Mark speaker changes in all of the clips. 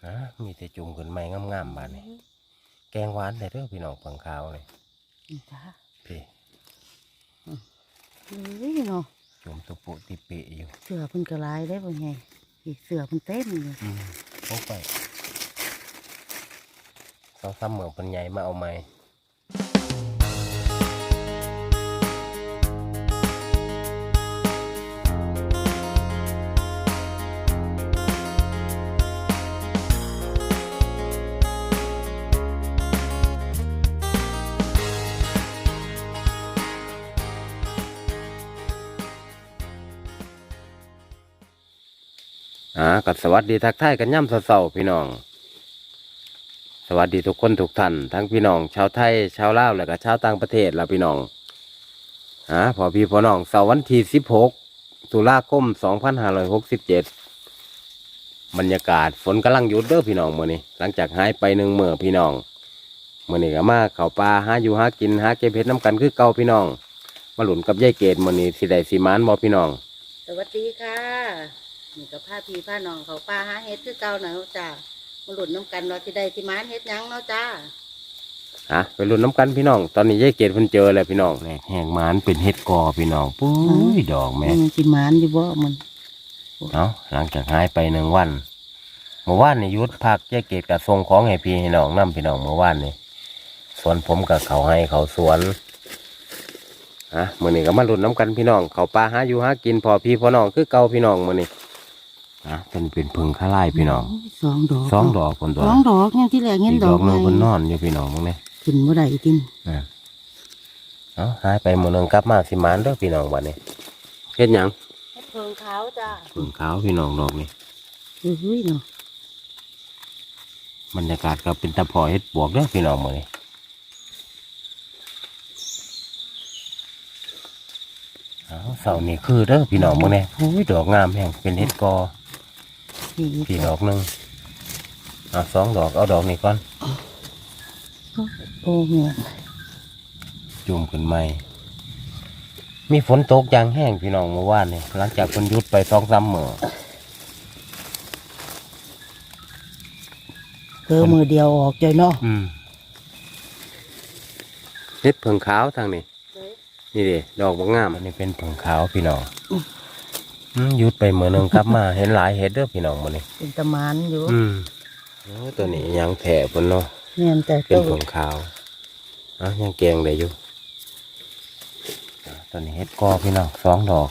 Speaker 1: มีแต่จุ่มขึ้นไม้งามๆบาดนี่แกงหวานได้เด้อพี่น้องเพิ่งขาวเลย
Speaker 2: จ้า
Speaker 1: พี่
Speaker 2: เนาะ
Speaker 1: จุ่มตุปุติเปะอยู่
Speaker 2: เสือเพิ่นกระลายได้บ่ไงอีกเสือเพิ่นเต้นอยู่
Speaker 1: พกไป2-3 มื้อเพิ่นใหญ่มาเอาใหม่ก็สวัสดีทักทายกันย่ำเสาๆพี่น้องสวัสดีทุกคนทุกท่านทั้งพี่น้องชาวไทยชาวลาวและก็ชาวต่างประเทศล่ะพี่น้องพอพี่พอน้องเสาร์วันที่16 ตุลาคม 2567บรรยากาศฝนกำลังหยุดเด้อพี่น้องมื้อนี้หลังจากหายไป1 มื้อพี่น้องมื้อนี้ก็มาเข้าป่าหาอยู่หากินหาเก็บเห็ดน้ำกันคือเก่าพี่น้องมาหลุนกับยายเกดมื้อนี้สิได้สิมานบ่พี่น้อง
Speaker 2: สวัสดีค่ะนี่ก็พาพี่พาน้องเขาป่าหาเฮ็ดคือเก่าหน่อยจ้ามาหลุดน้ำกันว่าสิได้สิมานเฮ็ดหยังเนาะจ้า
Speaker 1: ไปลุ้นน้ำกันพี่น้องตอนนี้ยายเกดเพิ่นเจอแล้วพี่น้องแหงหมานเป็นเห็ดกอพี่น้องปุ้ยดอกแม่
Speaker 2: สิมานอยู่บ่มัน
Speaker 1: หลังจากหายไป1 วันเมื่อวานนี่ยุดพักยายเกดกับส่งของให้พี่ให้น้องนำพี่น้องเมื่อวานนี่สวนผมกับเขาให้เขาสวนมื้อนี้ก็มาลุ้นน้ำกันพี่น้องเขาปลาหาอยู่หากินพอพี่พอน้องคือเก่าพี่น้องมื้อนี้เป็นพึ่งข้าไล่พี่น้อง2 ดอกคนตัว
Speaker 2: 2 ดอกเนี่ยที่แรกเห็นดอก
Speaker 1: นึงคนนอนอยู่พี่น้องมั้งเนี่ย
Speaker 2: ขึ้นบ่ได้กิน
Speaker 1: หายไปมื้อนึงกลับมาสิมานเด้อพี่น้องบัดนี้เฮ็ดหยัง
Speaker 2: เฮ็ดเพิงขาวจ้า
Speaker 1: เพิงขาวพี่น้องดอกนี่
Speaker 2: เนาะ
Speaker 1: บรรยากาศก็เป็นตะพอเฮ็ดบวกเด้อพี่น้องมื้อนี้เสานี่คือเด้อพี่น้องมื้อนี้ดอกงามแห่งเป็นเฮ็ดกอพี่ดอกนึง2 ดอกเอาดอกนี้ก่อน
Speaker 2: โอ้เงี้ย
Speaker 1: จุ่มขึ้นใหม่มีฝนตกอย่างแห้งพี่น้องเมื่อวานนี่หลังจากเพิ่นหยุดไป2-3 มื้อ
Speaker 2: มือเดียวออกใจเนาะ
Speaker 1: เฮ็ดเพิ่งขาวทางนี้นี่ดิดอกบางงามอันนี้เป็นเพิ่งขาวพี่น้องหยุดไปมื้อนึงกลับมาเห็นหลายเห็ดเด้อพี่น้องมื้อนี้
Speaker 2: เป็นตะมานอยู่
Speaker 1: ตัวนี้ยังแผ่เพิ่นเนาะ
Speaker 2: เนี่ยแต่
Speaker 1: เป็นเพิ่งขาวยังแกงได้อยู่ตัวนี้เฮ็ดกอพี่น้อง2 ดอก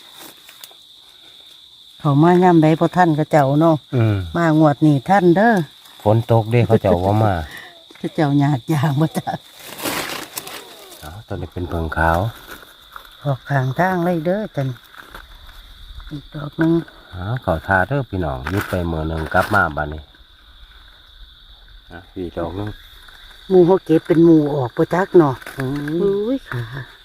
Speaker 2: เขามาย่ำใดพอท่านก็เจ้าเนาะมางวดนี่ท่านเด้อ
Speaker 1: ฝนตกเด้เขาเจ้าว่ามา
Speaker 2: เขาเจ้าหยาดยางมาจ้ะ
Speaker 1: ตัวนี้เป็นเพิ่งขาว
Speaker 2: ออกข้างทางเลยเด้อจันอีกดอกนึง
Speaker 1: เขาทาเด้อพี่น้องยุดไปมื้อนึงกลับมาบัดนี้พี่ดอกนึง
Speaker 2: หมูเขาเก็บเป็นหมูออกประจักเนาะค่ะ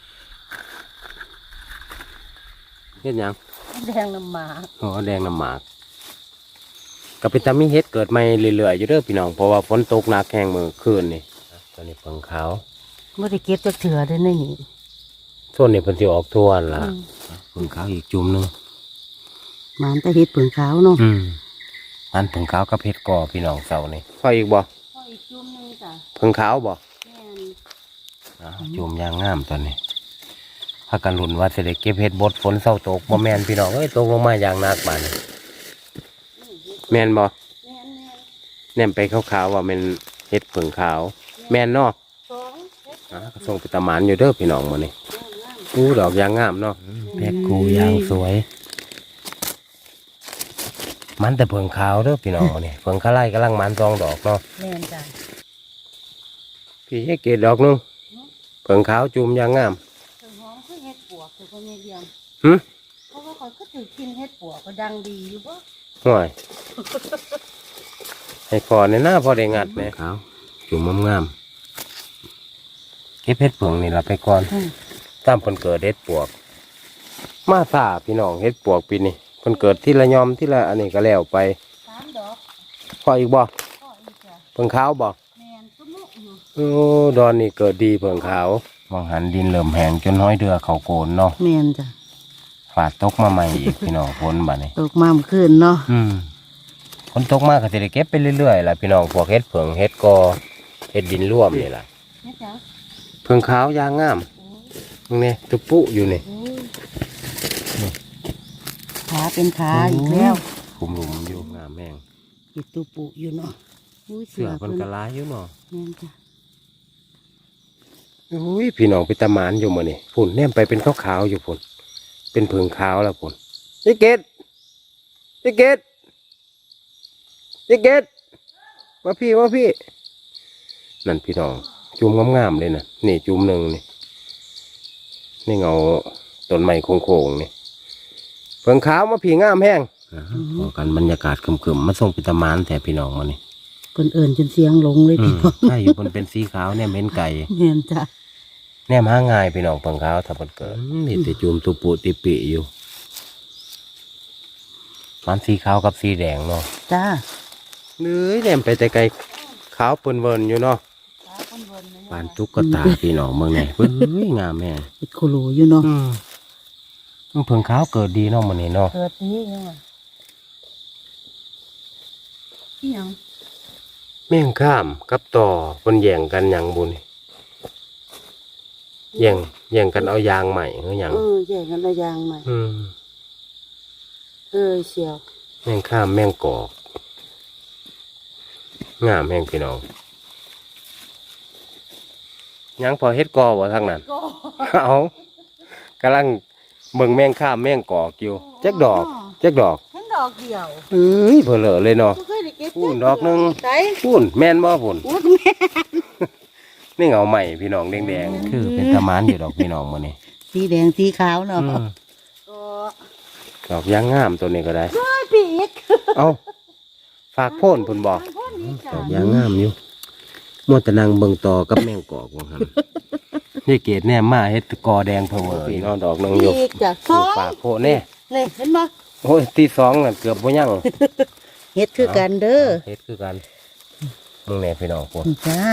Speaker 1: เฮ็ดหยัง
Speaker 2: แดงน้ำหมาก
Speaker 1: แดงน้ำหมากก็เป็นตามีเฮ็ดเกิดใหม่เรื่อยๆอยู่เด้อพี่น้องเพราะว่าฝนตกหนักแห้งมื้อคืนนี่ตัวนี้เพิ่งขาว
Speaker 2: ไม่ได้เก็บจากเถื่อได้นี่
Speaker 1: ส่วนนี้เพิ่นสิออกทั่วล่ะเพิ่งขาวอีกจุ่มนึง
Speaker 2: มันแต่เฮ็ดเพิ่งขาวเนาะ
Speaker 1: มันเพิ่งขาวกับเฮ็ดกอพี่น้องเสานี่พออีกบ่
Speaker 2: พออีกจุ่มนึงจ้ะ
Speaker 1: เพิ่งขาวบ่
Speaker 2: แม่
Speaker 1: นจุ่มยางงามตอนนี้พากันลุ้นว่าสิได้เก็บเฮ็ดบดฝนเศร้าตกบ่แม่นพี่น้องเอ้ยตกลงมาอย่างหนักบาดนี้แม่นบ่แน่นไปขาวๆว่ามันเฮ็ดเพิ่งขาวแม่นเนาะก็ส่งไปตะหมานอยู่เด้อพี่น้องมื้อนี้ดอกยางงามเนาะแพ็กกูยางสวยมันแต่เพิ่งขาวเด้อพี่น้องนี่เพิ่งข้าไล่กำลังมัน2 ดอกเนาะ
Speaker 2: แม่นจ้ะ
Speaker 1: พี่ให้เกศดอกนึงเพิ่งขาวจุ่มยางงาม
Speaker 2: เพิ่งหอมคือเฮ็ดปวกคือคนเดียวเพราะว่าเขาก็ถือกินเฮ็ดปวกก็ดังดีอยู่บ่
Speaker 1: ห่วยให้พอในหน้าพอได้งัดแม่ขาวจุ่มงามเก็บเฮ็ดเพิ่งนี่ล่ะไปก่อนตามเพิ่นเกิดเฮ็ดปวกมาซ่าพี่น้องเฮ็ดปวกปีนี้เพิ่นเกิดที่ละยอมที่ละอันนี้ก็แล้วไป
Speaker 2: 3 ดอก
Speaker 1: พออีกบ่เพิ่งขาวบ่
Speaker 2: แม่นซุมุอยู่
Speaker 1: ดอนนี่เกิดดีเพิ่งขาวมองหันดินเริ่มแห้งจนน้อยเดือเขาโกนเนาะ
Speaker 2: แม่นจ้ะ
Speaker 1: ฝาดตกมาใหม่อีกพี่น้องฝนบัดนี้
Speaker 2: ตกมาเมื่อคืนเนาะ
Speaker 1: ฝนตกมากก็สิได้เก็บไปเรื่อยๆล่ะพี่น้องพวกเฮ็ดเผิงเฮ็ดกอเฮ็ดดินร่วมนี่ล่ะ
Speaker 2: นี่จ้ะ
Speaker 1: เผิงขาวยางงามตรงนี้ตุปุอยู่นี่
Speaker 2: ขาเป็นขาอีกแล้ว
Speaker 1: ขุมหลุมอยู่งามแม่ง
Speaker 2: อีตูปุอยู่เนาะอุ้ย
Speaker 1: เสือมันกระลายอยู่เนาะ
Speaker 2: แม่นจ้ะ
Speaker 1: อุ้ยพี่น้องไปตะหมานอยู่มื้อนี่พุ่นแนมไปเป็นขาวๆอยู่พุ่นเป็นเผิงขาวแล้วพุ่นนี่เกดนี่เกดนี่เกดมาพี่นั่นพี่น้องจุ่มงามๆเลยนะนี่จุ่มหนึ่งนี่เงาต้นไม้โค้งๆนี่เผิงขาวมาพี่งามแห้งพอกันบรรยากาศครึมๆมาส่งไปตะหมานแต่พี่น้องมานี่
Speaker 2: เพิ่นเอิ่นจนเสียงหลงเลยพี่น้อง
Speaker 1: ใช่อยู่บนเป็นสีขาวเนี่ยเม้นไก่
Speaker 2: แม่นจ้ะ
Speaker 1: แนมหาง่ายพี่น้องเผิงขาวถ้าเพิ่นเกิดนี่แต่จุ่มตุปุติปิอยู่มันสีขาวกับสีแดงเนาะ
Speaker 2: จ้า
Speaker 1: เนื้อแนมไปแต่ไกลขาวเปิ้นเวินอยู่เนาะปานตุ๊กตาพี่น้องเมืองไหนเฮ้ยงามแม่
Speaker 2: เฮ็ดโคโลอยู่เนาะ
Speaker 1: มันเพิ่งขาวเกิดดีเนาะมื้อนี้เนาะ
Speaker 2: เกิดนี้ยังไงที่ยัง
Speaker 1: แม่งข้ามกับต่อเพิ่นแย่งกันหยังบุนี่แย่งกันเอายางใหม่คือหยัง
Speaker 2: แย่งกันระยางใหม่
Speaker 1: อืม
Speaker 2: เชียว
Speaker 1: แม่งข้ามแม่งกอกงามแม่งพี่น้องยังพอเฮ็ดกอบ่ทางนั้น เอากำลังเบิ่งแม่งข้ามแม่งกอกอยู่จักดอก
Speaker 2: เห็นดอกเดียว
Speaker 1: เอ้ยเผลอเลยเนาะ
Speaker 2: บ่เคยได้เก็บ
Speaker 1: พูนดอกหนึง
Speaker 2: ใส่
Speaker 1: พูนแม่นบ่พูน
Speaker 2: อุ้ยแม่
Speaker 1: นี่เงาใหม่พี่น้องแดงๆคือเป็นตะหมานอยู่ดอกพี่น้องมื้อนี้
Speaker 2: สีแดงสีขาวเนาะ
Speaker 1: อืม
Speaker 2: ก็
Speaker 1: ดอกยางงามตัวนี้ก็ได้
Speaker 2: ปีก
Speaker 1: เอาฝากโพ่นพุ่นบอกดอกยางงามอยู่มัวแต่นางเบิ่งต่อกับแมงกอกว่าหั่นนี่เกดแน่มาเฮ็ดกอแดงเพอเวอร์พี่น้องดอกนึงอยู่
Speaker 2: ปีกจ้ะ
Speaker 1: ฝากโพ่นแน่
Speaker 2: นี่เห็นบ่
Speaker 1: โอ้ยที่สองน่ะเกือบบ่ยัง
Speaker 2: เฮ็ดคือกันเด้อ
Speaker 1: เฮ็ดคือกันมึงแน่พี่น้องพุ่น
Speaker 2: นี่จ้า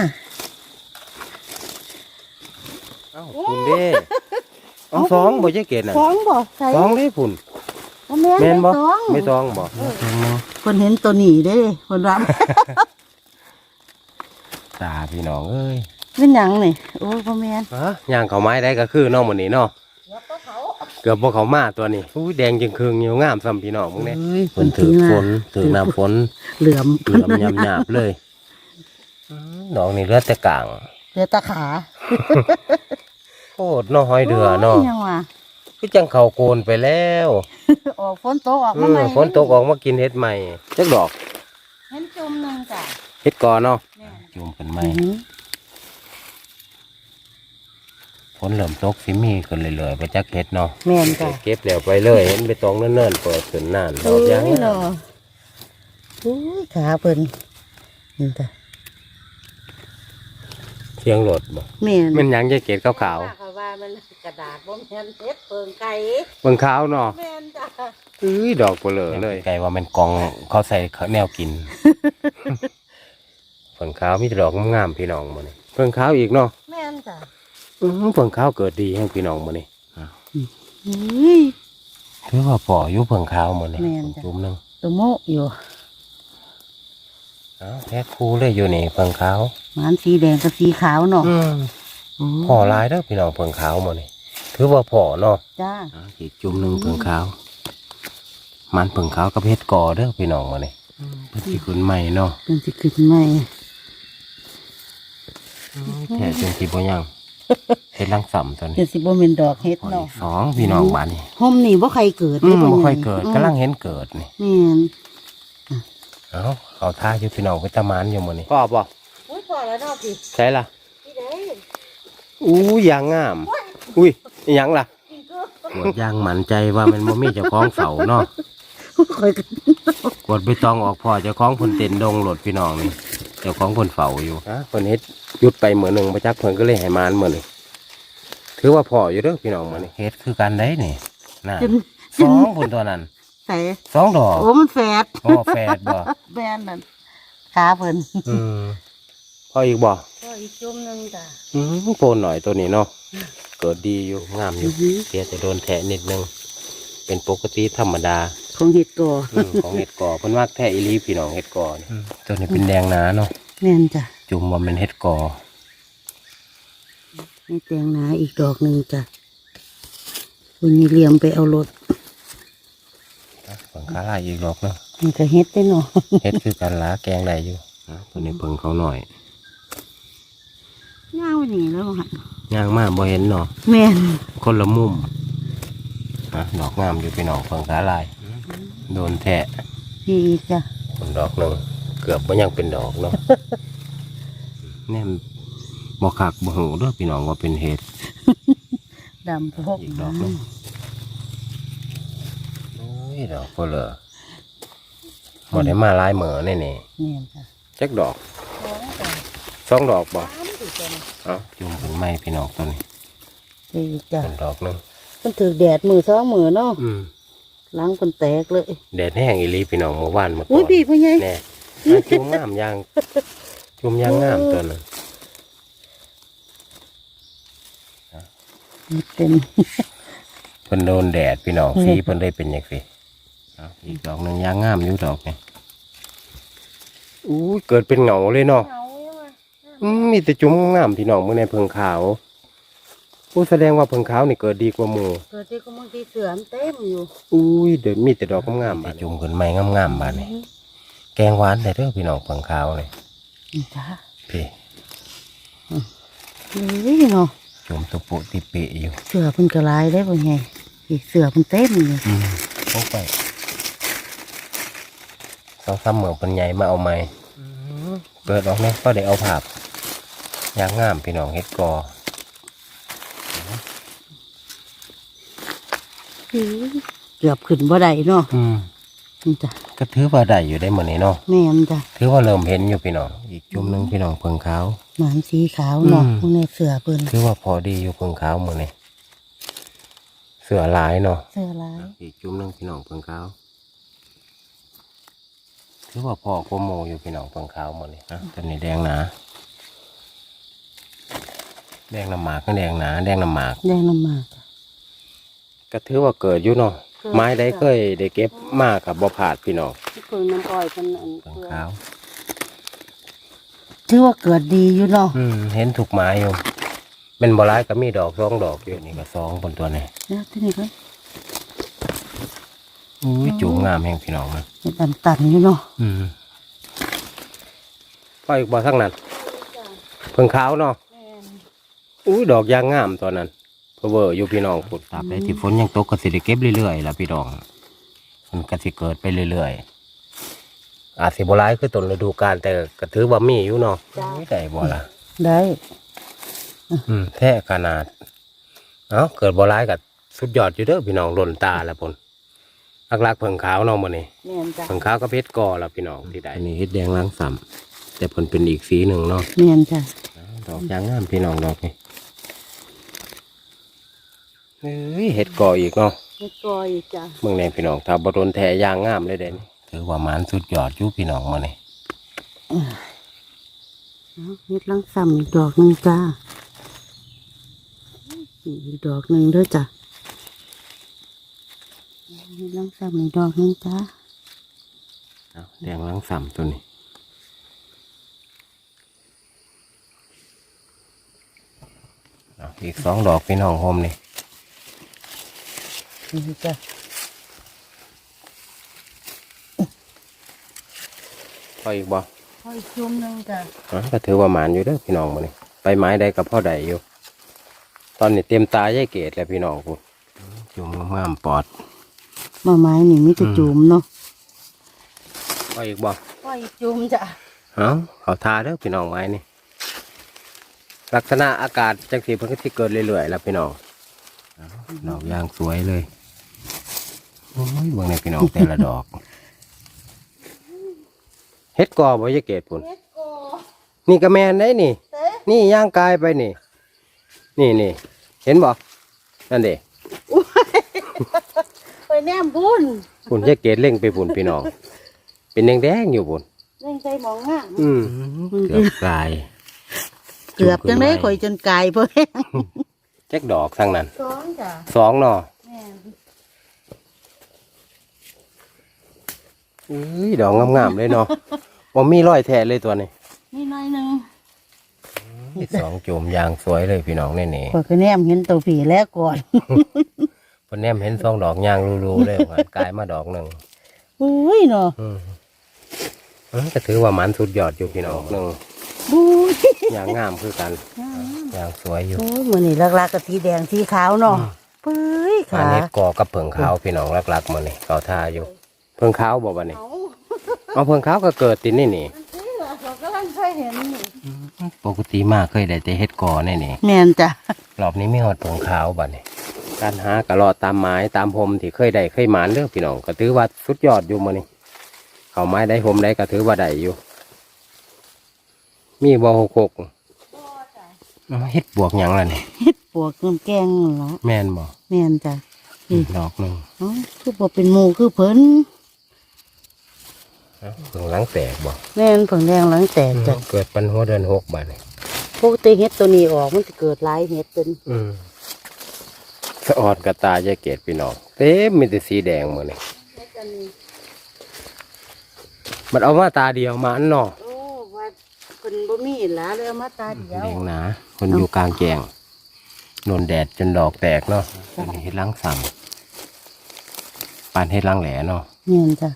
Speaker 1: เอ้าพุ่นเด้เอาสองบ่ใช่เกดน่ะ
Speaker 2: สองบ่ใส่
Speaker 1: สองเด้พุ่น
Speaker 2: บ่แม่น
Speaker 1: แม่นบ่
Speaker 2: สอง
Speaker 1: ไม่สองบ่
Speaker 2: เพิ่นเห็นตัวนี้เด้เพิ่นว่า
Speaker 1: ตาพี่น้องเอ้ย
Speaker 2: เป็นหยังนี่โอ้ยบ่แม่น
Speaker 1: ฮะย่างเขาไม้ได้ก็คือน้องมื้อนี้เนาะ
Speaker 2: แล้วก็เขา
Speaker 1: เกือบบ่เขามาตัวนี้อุ้ยแดงจึงครึ่งอยู่งามซ้ำพี่น้องมึงเนี่ย
Speaker 2: เอ้ย
Speaker 1: ฝนถือฝนถือน้ำฝน
Speaker 2: เหลื่อม
Speaker 1: เหลื่อมหยาบๆเลยดอกนี่เหลือแต่กลาง
Speaker 2: เหลือตาขา
Speaker 1: โคตรน้อหอยเดือเนาะ
Speaker 2: โยยังว่า
Speaker 1: คือจังเขาโกนไปแล้ว
Speaker 2: ออกฝนตกออกมาใหม่
Speaker 1: ฝนตกออกมากินเห็ดใหม่จักดอก
Speaker 2: เห็นจุ่มหนึงจ้ะ
Speaker 1: เห็ดก่อนเนาะ
Speaker 2: แม่น
Speaker 1: จุ่มเป็นใหม่ฝนเริ่มตกสิมีขึ้นเรื่อยๆไปจักเห็ดเนาะ
Speaker 2: แม่นจ้ะ
Speaker 1: เก็บแล้วไปเลยเห็นไปตองเนิ่นๆเปิดขึ้นน่านดอกยาง
Speaker 2: เอ้เนาะอุ้ยขาเพิ่นนี่จ้ะ
Speaker 1: เสียงรถบ่
Speaker 2: แม่น
Speaker 1: มันหยังจะเกล็ดขาว
Speaker 2: เขาว่ามันกระดาษบ่แม่นเฮ็ดเปิงไก่
Speaker 1: ๆเบิ่งขาวเนาะ
Speaker 2: แม่นจ้ะ
Speaker 1: ดอกเปลือเลยไกลว่ามันกองเขาใส่แนวกิน เพิ่งขาวมีแต่ดอกงามๆพี่น้องมาเนี่เพิ่งขาวอีกเนาะ
Speaker 2: แม่นจ้ะ
Speaker 1: เพิ่งขาวเกิดดีให้พี่น้องมาเนี่
Speaker 2: อุ้ย
Speaker 1: ถือว่าป่ออยู่เพิ่งขาวมาเนี่
Speaker 2: แม่นจ้ะ
Speaker 1: จุ่มหนึง
Speaker 2: ตัวโมอยู่
Speaker 1: แพ็คคู่เลยอยู่นี่เพิ่งขาว
Speaker 2: มันสีแดงกับสีขาวเนาะ
Speaker 1: พ่อหลายเด้อพี่น้องเพิ่งขาวมาเนี่ถือว่าพ่อเนาะ
Speaker 2: จ้า
Speaker 1: อีกจุ่มหนึงเพิ่งขาว มันเพิ่งขาวกับเฮ็ดก่อเด้อพี่น้องมาเนี่เพิ่นสิขึ้นใหม่เนาะ
Speaker 2: เป็นสิขึ้นใหม่
Speaker 1: แท้จริงสิบ่ยังเฮ็ดลังสำตัวนี้
Speaker 2: เป็นสิบ่แม่นดอกเฮ็ด
Speaker 1: พอ
Speaker 2: เนาะ
Speaker 1: อีกสองพี่น้องบ้านนี่
Speaker 2: ห่มนี่บ่ใครเกิด
Speaker 1: บ่
Speaker 2: บ่
Speaker 1: ค่อยเกิดกำลังเห็นเกิดนี่
Speaker 2: แม่น
Speaker 1: เอาเขาท่าอยู่พี่น้องไปตะมานอยู่หมื้นี้พ่อบ่
Speaker 2: อุ้ยพอแล้วเนาะพี่
Speaker 1: ใช่ล่ะ
Speaker 2: พี่เด้
Speaker 1: อู้ยางงาม อุ้ยอิหยังล่ะกวดยางหมันใจว่ามันบ่มีเจ้าของเฝ้าเนาะ
Speaker 2: ค่อยกัน
Speaker 1: กวดไปตองออกพ่อเจ้าของเพิ่นเต้นดงโหลดพี่น้องนี่เจ้าของเพิ่นเฝ้าอยู่ฮะเพิ่นเฮ็ดหยุดไปมื้อหนึงบ่จักเพิ่นก็เลยให้มานมื้อนี้ถือว่าพ่ออยู่เด้อพี่น้องมื้อนี้เฮ็ดคือกันได้นี่น่ะ
Speaker 2: จน
Speaker 1: สองพุ่นตัวนั้น
Speaker 2: ใส่
Speaker 1: สองดอก
Speaker 2: โอ้มันแฝด
Speaker 1: โอ้แฝดบ่
Speaker 2: แม่นนั่นขาเพิ่น
Speaker 1: อืมพ่ออีกบ่
Speaker 2: ก็อีกจุ่มหนึงจ้ะ
Speaker 1: โปนหน่อยตัวนี้เนาะเกิดดีอยู่งามอยู่เสียแต่โดนแทะนิดนึงเป็นปกติธรรมดา
Speaker 2: โคของเห็ดกอ
Speaker 1: ของเห็ดกอเพิ่นมักแท้อีหลีพี่น้องเห็ดกอนี่ตัวนี้เป็นแดงหนาเนาะ
Speaker 2: แม่นจ้ะ
Speaker 1: จุ่มว่าเป็นเห็ดกอ
Speaker 2: นี่แตงหนาอีกดอกหนึ่งจ้ะวันนี้เหลี่ยมไปเอารถ
Speaker 1: เพิ่งขาลายอีกดอกเนาะ
Speaker 2: มันก็เฮ็ดได้เนาะ
Speaker 1: เห็ดคือกันหลาแกงได้อยู่ตัวนี้เพิ่งเขาหน่อย
Speaker 2: ย่างวันนี้แล้วหัน
Speaker 1: ย่างมากบ่เห็นเนาะ
Speaker 2: แม่น
Speaker 1: คนละมุมดอกงามอยู่พี่น้องเพิ่งขาลายโดนแทะ
Speaker 2: ดีจ้ะ
Speaker 1: คนดอกหนึ่งเกือบว่ายังเป็นดอกเนาะ แน่บ่คักบ่หูเด้อพี่น้องว่าเป็นเห็ด
Speaker 2: ดำพก
Speaker 1: อีกดอกหนึงโอ้ยดอกเพื่อเลยบ่ได้มาหลายเหมือแน่
Speaker 2: แม่นจ้ะ
Speaker 1: ๆจักดอกสองดอกบ่เอ้าจุ่มถึงไม้พี่น้องตัวนี้
Speaker 2: ดีจ้ะ
Speaker 1: เป็นดอกหนึง
Speaker 2: มันถือแดดมือสองมือเนาะ
Speaker 1: อืม
Speaker 2: หล้างคนแตกเลย
Speaker 1: แดดแห้งอีหลีพี่น้องเมื่อวานมาก่
Speaker 2: อุ้
Speaker 1: อย น
Speaker 2: พี่พ่อใหญ่
Speaker 1: แน่มาจุ่มงามยางจุ่มยางงามตัวนั้น
Speaker 2: เต็ม
Speaker 1: เพิ่นโดนแดดพี่น้องสีเพิ่นได้เป็นอย่างสิเอาอีกดอกหนึงยางงามอยู่ดอกนี่อู้ยเกิดเป็นเหงาเลยเนาะ มีแต่จุ่มงามพี่น้องเมื่อในเพิงขาวผู้แสดงว่าเพิงขาวนี่เกิดดีกว่าหมู่
Speaker 2: เกิดที่ก็บางทีเสือมเต็มอยู่
Speaker 1: อุ้ยเดี๋ยวมีแต่ดอกงามๆบาดจุ่มขึ้นไม้งามๆบาดนี่แกงหวานได้เด้อพี่น้องเพิงขาวนี่
Speaker 2: จ้ะ
Speaker 1: พี่
Speaker 2: นี่เนาะ
Speaker 1: จุ่มตุปุติเปะอยู่
Speaker 2: เสือเพิ่นกระลายได้พ่อใหญ่อีกเสือเพิ่นเต็มอยู่
Speaker 1: โอ้ไปต้องซ้ำเหมืองเป็นใหญ่มาเอาไม้เปิดออกเนี่ยก็ได้เอาภาพยางงามพี่น้องเฮ็ดกอ
Speaker 2: เกือบขึ้นบ่ได้เนาะนี่จ้ะ
Speaker 1: ก็ถือว่าได้อยู่ได้เหมือนนี้เนาะ
Speaker 2: แม่นจ้ะ
Speaker 1: ถือว่าเริ่มเห็นอยู่พี่น้องอีกจุ่มหนึงพี่น้องเพิงขาว
Speaker 2: หมานสีขาวเนาะ
Speaker 1: อืม
Speaker 2: พวกนี้เสือเพิ่น
Speaker 1: ถือว่าพอดีอยู่เพิงขาวมือนี่เสือหลายเนาะ
Speaker 2: เสือลาย
Speaker 1: อีกจุ่มหนึงพี่น้องเพิงขาวถือว่าพอกว่าโมอยู่พี่น้องเพิงขาวมือนี่ตอนนี้แดงหนาแดงน้ำหมากก็แดงหนาแดงน้ำหมาก
Speaker 2: แดงน้ำหมากจ้ะ
Speaker 1: ก็ถือว่าเกิดอยู่เนาะ
Speaker 2: เกิด
Speaker 1: ไม้ได้เคยได้เก็บมากกับบ่ผาดพี่น้อง
Speaker 2: ที่เพิ่นน้ำอ้อยเพิ่นอัน
Speaker 1: เพิงขาว
Speaker 2: ถือว่าเกิดดีอยู่เนาะ
Speaker 1: เห็นถูกไม้อยู่เป็นบ่ร้ายก็มีดอกสองดอกอยู่นี่ก็สองบนตัวนี้
Speaker 2: แล้วที่นี่ก็
Speaker 1: อุ้ยจูงงามแห่งพี่น้องมัน
Speaker 2: เห็ดตันๆอยู่เนาะ
Speaker 1: ปล่อยอีกบ่ทั้งนั้นเพิ่งขาวเนาะอุ้ยดอกยางงามตอนนั้นเพอเวอร์อยู่พี่น้องฝนตราบใดที่ฝนยังตกก็สิได้เก็บเรื่อยๆล่ะพี่น้องมันก็สิเกิดไปเรื่อยๆอาจสิบ่ร้ายคือต้นฤดูกาลแต่ก็ถือว่ามีอยู่เนาะไม่ได้บ่ล่ะ
Speaker 2: ได้
Speaker 1: แท้ขนาดเอ้าเกิดบ่ร้ายก็สุดยอดอยู่เด้อพี่น้องหล่นตาแล้วพุ่นลักๆเพิ่งขาวเนาะมื้อนี้
Speaker 2: แม่นจ้ะ
Speaker 1: เพิ่งขาวก็เพชรกอล่ะพี่น้องที่ได้นี่เฮ็ดแดงล้างซ้ำแต่เพิ่นเป็นอีกสีหนึ่งเนาะ
Speaker 2: แม่นจ้ะ
Speaker 1: ดอกยางงามพี่น้องดอกนี่เฮ้ยเห็ดกออีกเนาะ
Speaker 2: เห็ดกออีกจ้ะ
Speaker 1: เมืองในพี่น้องถ้าบโดนแทยางงามเลยเด่นถือว่ามันสุดยอดอยู่พี่น้องมาเนี่ย
Speaker 2: เอาเห็ดลังซ้ำอีกดอกหนึงจ้ะอีกดอกหนึงเด้วยจ้ะเห็ดลังซ้ำอีกดอกหนึงจ้ะ
Speaker 1: แดงล้างซ้ำตัวนี้เอาอีกสองดอกพี่น้องโฮมนี่
Speaker 2: นี่จ้ะ
Speaker 1: พออีกบ่
Speaker 2: พออีกจุ่มหนึงจ้ะ
Speaker 1: ก็ถือว่าหมานอยู่เด้อพี่น้องมาเนี่ยไปไม้ใดกับพ่อใดอยู่ ตอนนี้เต็มตาแย่เกตแล้วพี่น้องกูจุ่มงามๆปอด
Speaker 2: มาไม้นี่มีแต่จุ่มเนาะ
Speaker 1: พออีกบ่
Speaker 2: พออีกจุ่มจ้ะ
Speaker 1: เขาทาเด้อพี่น้องไม้นี่ลักษณะอากาศจังสีเพิ่งที่เกิดเรื่อยๆแล้วพี่น้องดอกยางสวยเลยโอ้ยเบิ่งในพี่น้องแต่ละดอก เฮ็ดกอบ่ยายเกตพุ่น
Speaker 2: เห็ดกอ
Speaker 1: นี่ก็แมนได้นี่
Speaker 2: เต้
Speaker 1: นี่ย่างกายไปนี่ นี่เห็นบ่นั่นเด้
Speaker 2: ไปแนมบุญ
Speaker 1: พุ่นยายเกตเล่งไปพุ่นพี่น้อง เป็นแดงๆอยู่พุ่น
Speaker 2: เล่นใจหมองงาม
Speaker 1: เกือบกาย
Speaker 2: เกือบจังได้ข่อยจนกายเพิ่น
Speaker 1: แจ็คดอกทั้งนั้น
Speaker 2: สองจ้ะ
Speaker 1: สองเนาะ
Speaker 2: แม่น
Speaker 1: ดอกงามๆเลยเนาะบ่มีรอยแท้เลยตัวนี้
Speaker 2: นี่น้อยหนึง
Speaker 1: สองจุ่มยางสวยเลยพี่น้องนี่
Speaker 2: ข่อยก็แนมเห็นตัวผีแล้วก่อน
Speaker 1: เพิ่นแนมเห็นสองดอกยางรูๆเลยว่ากลายมาดอกหนึง
Speaker 2: อุ้ยเนาะ
Speaker 1: ก็ถือว่ามันสุดยอดอยู่พี่น้องหนึง
Speaker 2: อุ้ย
Speaker 1: ยางงามคือกันยางสวยอยู่
Speaker 2: โอ้ยมื้อนี้ลักๆก็สีแดงสีขาวเนาะเฮ้ย
Speaker 1: อัน
Speaker 2: ขา
Speaker 1: นี้กอกับเผิงขาวพี่น้องรักๆมานี่เขาท่าอยู่เผิงขาวบอกว่านี่
Speaker 2: เอา
Speaker 1: เอาเผิงขาวก็เกิดตินนี่
Speaker 2: นี่ล่ะเขากำลังเคยเห็นนี่
Speaker 1: ปกติมากเคยได้แต่เฮ็ดกอนี่
Speaker 2: แม่นจ้ะ
Speaker 1: รอบนี้ไม่หอดเผิงขาวบัดนี่การหากระรอดตามไม้ตามพรมที่เคยได้เคยหมานเด้อพี่น้องก็ถือว่าสุดยอดอยู่มานี่เขาไม้ได้พรมได้ก็ถือว่าได้อยู่ มีบ่หกเอาเฮ็ดบวกหยังล่ะนี่
Speaker 2: เฮ็ดปวกน้ำแกงเหรอ
Speaker 1: แม่นบ่
Speaker 2: แม่นจ้ะ
Speaker 1: ดอกหนึง
Speaker 2: เอ้าคือบ่เป็นหมู่คือเพิ่น
Speaker 1: เอ้าเพิ่งหลังแตกบ่
Speaker 2: แม่นเพิ่งแดงหลังแตกจ้ะ
Speaker 1: เกิดปันหัวเดือนหกบัดนี่
Speaker 2: ปกติเฮ็ดตัวนี้ออกมันจะเกิดหลายเฮ็ดจน
Speaker 1: สะออดกระตายายเกตพี่น้องเต็มมีแต่สีแดงหมดนี่
Speaker 2: เฮ็ดอันนี้
Speaker 1: มันเอามาตาเดียวมาอันเนาะ
Speaker 2: โอ้ว่าเพิ่นบ่มีหลาเลยเอามาตาเดียว
Speaker 1: แดงหนาคนอยู่กลางแจงโดนแดดจนดอกแตกเนาะอันนี้เฮ็ดล้างสั่งปานเฮ็ดล้างแหล่เนาะ
Speaker 2: แม่นจ้ะ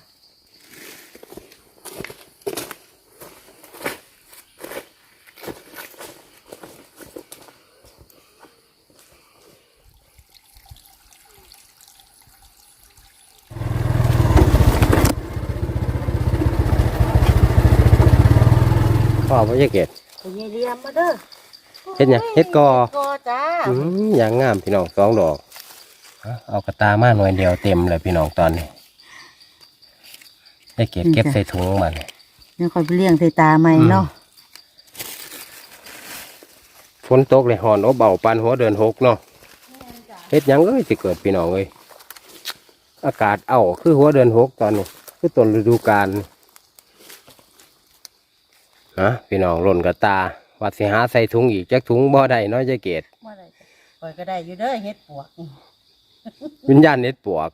Speaker 1: พ่อพ่อยายเกต
Speaker 2: ไปเยี่ยมมาเด้อ
Speaker 1: เฮ็ดหยังเฮ็ดกอ
Speaker 2: กอจ้า
Speaker 1: อย่างงามพี่น้องสองดอกเอากระตามาหน่วยเดียวเต็มเลยพี่น้องตอนนี้ยายเกตเก็บใส่ถุงมาเนี่ย
Speaker 2: เดี๋ยวค่อยไปเลี้ยงใส่ตาใหม่เนาะ
Speaker 1: ฝนตกเลยหอนอบเบาปานหัวเดือนหกเนาะเฮ็ดหยังเอ้ยสิเกิดพี่น้องเอ้ยอากาศคือหัวเดือนหกตอนนี้คือต้นฤดูกาลนะพี่น้องหล่นกระตาวัดสิหาใส่ถุงอีกจักถุงบ่ได้เนาะยายเกด
Speaker 2: บ่ได้จ้ะข่อยก็ได้อยู่เด้อเฮ็ดปวก
Speaker 1: วิญญาณเฮ็ดปวก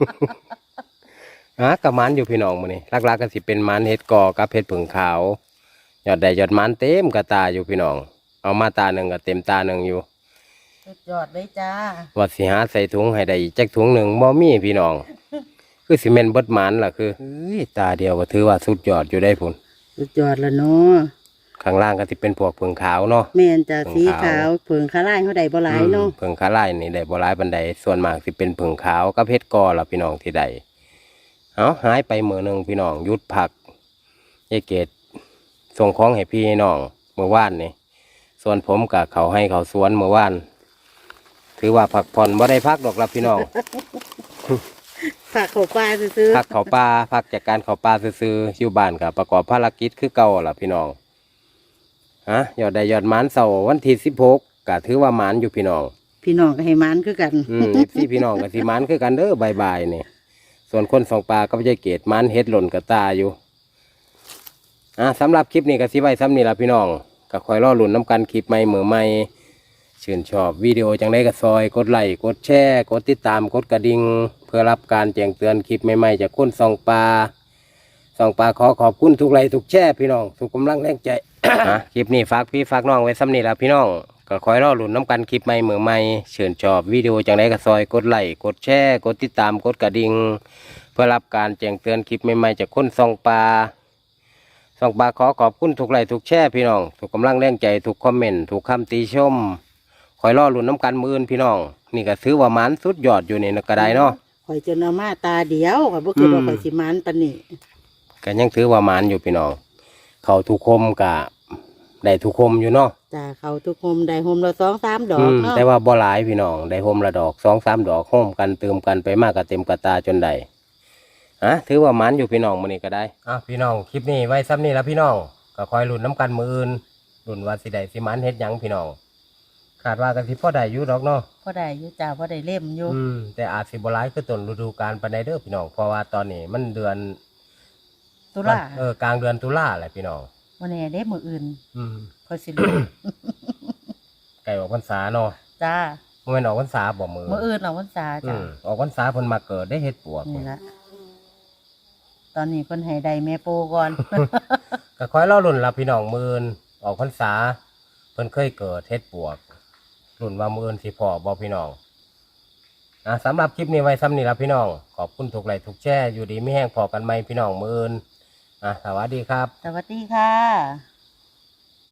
Speaker 1: กับมันอยู่พี่น้องมื้อนี้หลักๆก็สิเป็นมันเฮ็ดกอกับเฮ็ดผึ่งขาวยอดใดยอดมันเต็มกระตาอยู่พี่น้องเอามาตาหนึ่งก็เต็มตาหนึ่งอยู่
Speaker 2: สุดยอดเลยจ้า
Speaker 1: ว่าสิหาใส่ถุงให้ได้อีกจักถุงหนึ่งบ่มีพี่น้อง คือสิเมนเบิดหมันล่ะคือตาเดียวก็ถือว่าสุดยอดอยู่ได้พุ่น
Speaker 2: สุดยอดแล้วเนาะ
Speaker 1: ข้างล่างก็สิเป็นพวกผึ่งขาวเนาะ
Speaker 2: แม่นจ้ะ
Speaker 1: เพิ่
Speaker 2: สี
Speaker 1: งขาว
Speaker 2: ขาวเผิงขาลายเขาได้บ่หลายเนาะ
Speaker 1: ผึ่งขาไล่นี่ได้บ่หลายปานใดส่วนมากสิเป็นผึ่งขาวกับเฮ็ดกอล่ะพี่น้องที่ใดเอาหายไปมื้อหนึงพี่น้องหยุดพักยายเกดส่งของให้พี่น้องเมื่อวานนี่ส่วนผมกับเขาให้เขาสวนเมื่อวานถือว่าพักผ่อนบ่ได้พักดอกล่ะพี่น้อง
Speaker 2: ฝากเขาปลาซื้อ
Speaker 1: พักเขาป่าพักจากการเขาป่าซื้อๆอยู่บ้านกับประกอบภารกิจคือเก่าล่ะพี่น้องยอดได้ยอดหมานเสาร์วันที่16ก็ถือว่าหมานอยู่พี่น้อง
Speaker 2: พี่น้องก็ให้มันคือกัน
Speaker 1: พี่พี่น้องกับสิหมานคือกันเด้อบายๆนี่ส่วนคนสองปลาก็ไม่ใช่เกตหมานเฮ็ดหล่นกับตาอยู่สำหรับคลิปนี้ก็สิไว้ซ้ำนี่ล่ะพี่น้องก็คอยรอลุ้นน้ำกันคลิปใหม่มือใหม่ชื่นชอบวิดีโอจังได้ก็ซอยกดไลค์กดแชร์กดติดตามกดกระดิ่งเพื่อรับการแจ้งเตือนคลิปใหม่ๆจากคนสองปลาขอขอบคุณทุกไลค์ทุกแชร์พี่น้องทุกกำลังแรงใจ คลิปนี้ฝากพี่ฝากน้องไว้ซ้ำนี่ล่ะพี่น้องก็คอยรอลุ้นน้ำกันคลิปใหม่มือใหม่ชื่นชอบวิดีโอจังได้ก็ซอยกดไลค์กดแชร์กดติดตามกดกระดิ่งเพื่อรับการแจ้งเตือนคลิปใหม่ๆจากคนสองปลาขอขอบคุณทุกไลค์ทุกแชร์พี่น้องทุกกำลังแรงใจทุกคอมเมนต์ทุกคำติชมคอยรอลุ้นน้ำกันมืออื่นพี่น้องนี่ก็ถือว่ามันสุดยอดอยู่ในกระไดเนาะ
Speaker 2: ข่อยจนเอามาตาเดียวข่อยบ่คิดว่าข่อยสิมันปานนี้
Speaker 1: ก็ยังถือว่ามันอยู่พี่น้องเขาทุกคมกะได้ทุกคมอยู่เนาะ
Speaker 2: จ้าเขาทุกโฮมได้โฮมละ2-3 ดอกเนาะ
Speaker 1: แต่ว่าบ่หลายพี่น้องได้โฮมละดอก2-3 ดอกโฮมกันเติมกันไปมากก็เต็มกระตาจนได้ถือว่ามันอยู่พี่น้องมื้อนี้ก็ได้พี่น้องคลิปนี้ไว้ซ้ำนี่ละพี่น้องก็คอยลุ้นน้ำกันมืออื่นลุ้นว่าสิได้สิมันเฮ็ดหยังพี่น้องคาดว่ากันสิพอได้อยู่ดอกเนาะ
Speaker 2: พอได้อยู่จ้าพอได้เล่มอยู่
Speaker 1: แต่อาจสิบ่หลายคือต้นฤดูกาลปานใดเด้อพี่น้องเพราะว่าตอนนี้มันเดือน
Speaker 2: ตุลาก
Speaker 1: ลางเดือนตุลาแหละพี่น้อง
Speaker 2: วันนี้ได้มืออื่น
Speaker 1: อืม
Speaker 2: ค่อยสิรู้
Speaker 1: ไก่ออกพรรษาเนาะ
Speaker 2: จ้า
Speaker 1: บ่แม่นออกพรรษาบ่มือ
Speaker 2: มืออื่นเราวันษาจ้า
Speaker 1: ออกพรรษาเพิ่นมาเกิดได้เฮ็ดปวก
Speaker 2: นี่ละตอนนี้เพิ่นให้ได้แม่ปูก่อน
Speaker 1: ก็คอยเล่ารุ่นละพี่น้องมือนออกพรรษาเพิ่นเคยเกิดเฮ็ดปวกรุ่นว่ามือนสิพอบ่พี่น้องสำหรับคลิปนี้ไว้ซ้ำนี่ละพี่น้องขอบคุณทุกไลค์ทุกแชร์อยู่ดีไม่แห้งพอกันไหมพี่น้องมือนสวัสดีครับ
Speaker 2: สวัสดีค่ะ